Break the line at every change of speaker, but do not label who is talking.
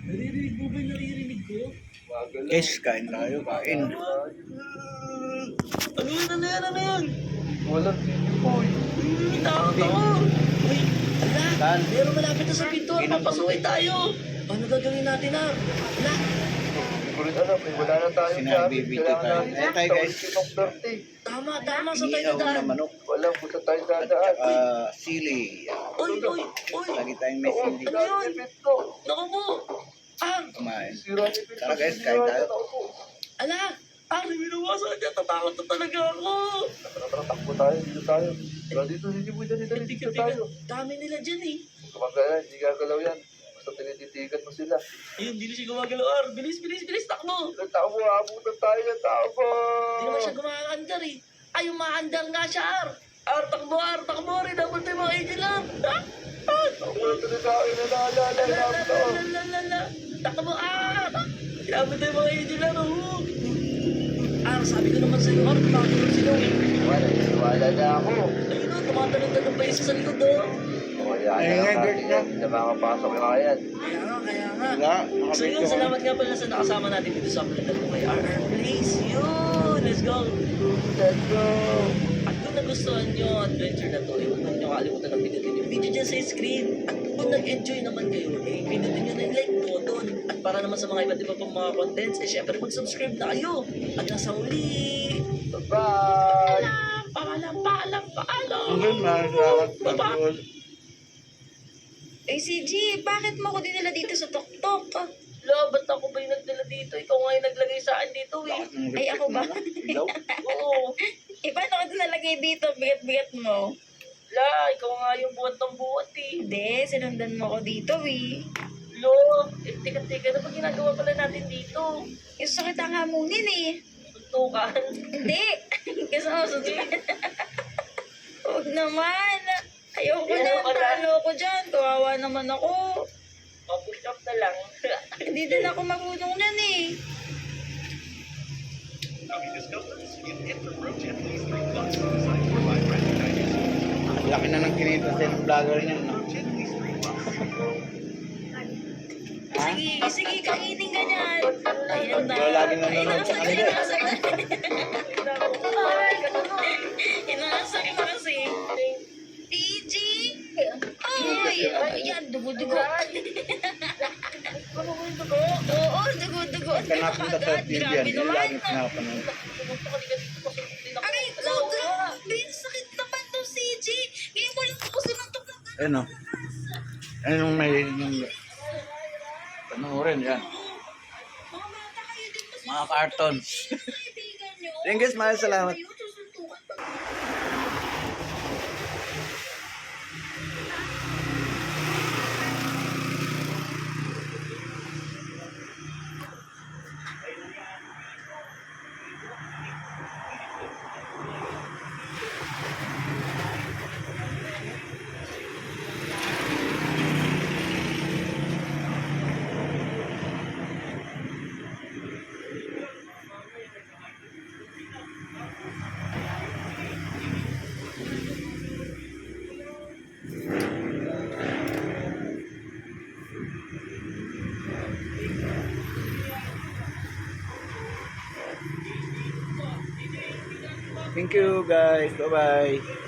Naririnig mo ba yung naririnig ko?
Guys, kain tayo, kain.
Ano yan? Ano yan? Ano yan?
Walang video po eh.
Takot ako. Uy, ala.
Saan?
Meron malapit na sa pintuan. Papasukin tayo. Ano gagawin natin na? Ala.
Hindi ko rin alam eh. Wala na tayo
Sinabibito tayo. Ayan tayo, guys.
Tama, tama sa tayo
Inihaw na
daan.
manok.
Walang punta tayo sa
At
daan.
saka sili.
Uy, uy, uy.
Lagi tayong may sili.
Ano yun? Naku po. Ah,
Kumain.
Sira ni Pito.
Tara, guys, kain tayo.
ala. Ah, binawasan niya. Tatakot na talaga ako.
Takbo tayo. Dito tayo. Tara dito. Hindi mo dali. Dito tayo.
Dami nila dyan eh.
Kumagaya. Hindi gagalaw yan. Basta tinititigan mo sila.
Ayun, hindi na siya gumagalaw. Ar, bilis, bilis, bilis. Takbo.
Takbo. Abutan tayo ng takbo.
Hindi naman siya gumaandar eh. Ay, umaandar nga siya, Ar. Ar, takbo, Ar. Takbo rin. Dapat tayo mga angel lang. Ah, ah.
Abutan na tayo. Nalala.
Lalalala. Takbo, Ar. Dapat tayo mga angel lang. Oh. Ar, sabi ko naman sa'yo, Ar. Tumatulog sila eh.
Wala na ako.
Ayun o, tumatalon-talon pa isa sa likod oh.
Kaya
Ay,
na
nga,
natin
girl,
yan. Hindi na makapasok yung kaya yan.
Kaya nga, kaya nga.
Wala.
So yun, salamat nga pala sa nakasama natin dito sa vlog ko kay RR Place. Yun, let's go.
Let's go.
At kung nagustuhan nyo ang adventure na to, huwag nyo kalimutan ang pinutin yung video dyan sa screen. At kung nag-enjoy naman kayo, pinutin nyo na yung like button. At para naman sa mga iba't iba pang mga contents, syempre mag-subscribe na kayo. At nasa uli.
Bye.
Paalam.
Hanggang salamat. Pagod.
Eh, CG, bakit mo ko dinala dito sa tuktok?
Lo, ba't ako ba yung nagdala dito? Ikaw nga yung naglagay sa akin dito eh.
Ay, ako ba?
Ilaw.
Oo.
Eh, paano ka nalagay dito? Bigat-bigat mo.
La, ikaw nga yung buhat ng buhat eh.
Hindi, sinundan mo ko dito, eh.
Lo, tika, ano ba ginagawa pala natin dito?
Gusto sa kita nga munin, eh.
Suntukan.
Hindi. Gusto mo sundan. Huwag naman. Ayoko na.
Ayoko na.
Talo ko dyan. Kawawa naman ako.
Push up na lang.
Hindi din ako marunong nan, eh.
Laki na ng kinita sa ng vlogger niyan. No? Ha?
Sige, kainin ka dyan. Ayan na.
Ikaw lagi nanonood sa kanila.
Inaasa ka kasi. PG! Ay! Ayan, dugo-dugo.
Ano mo yung dugo?
Oo, dugo-dugo.
Pagka napunta sa TV yan,
Grabe
yung
naman.
lagi pinapanood.
Pumunta ka dito kasi hindi na
Aray ko, grabe. Sakit naman to, CG. Ngayon mo lang ako sinuntok ng gano'n.
Ano? Anong may yung panoorin yan?
Mga bata kayo dito sa
Mga cartons.
kaibigan nyo.
Thank you, Smile. Salamat.
Kayo, susuntukan pa.
Thank you, guys. Bye-bye.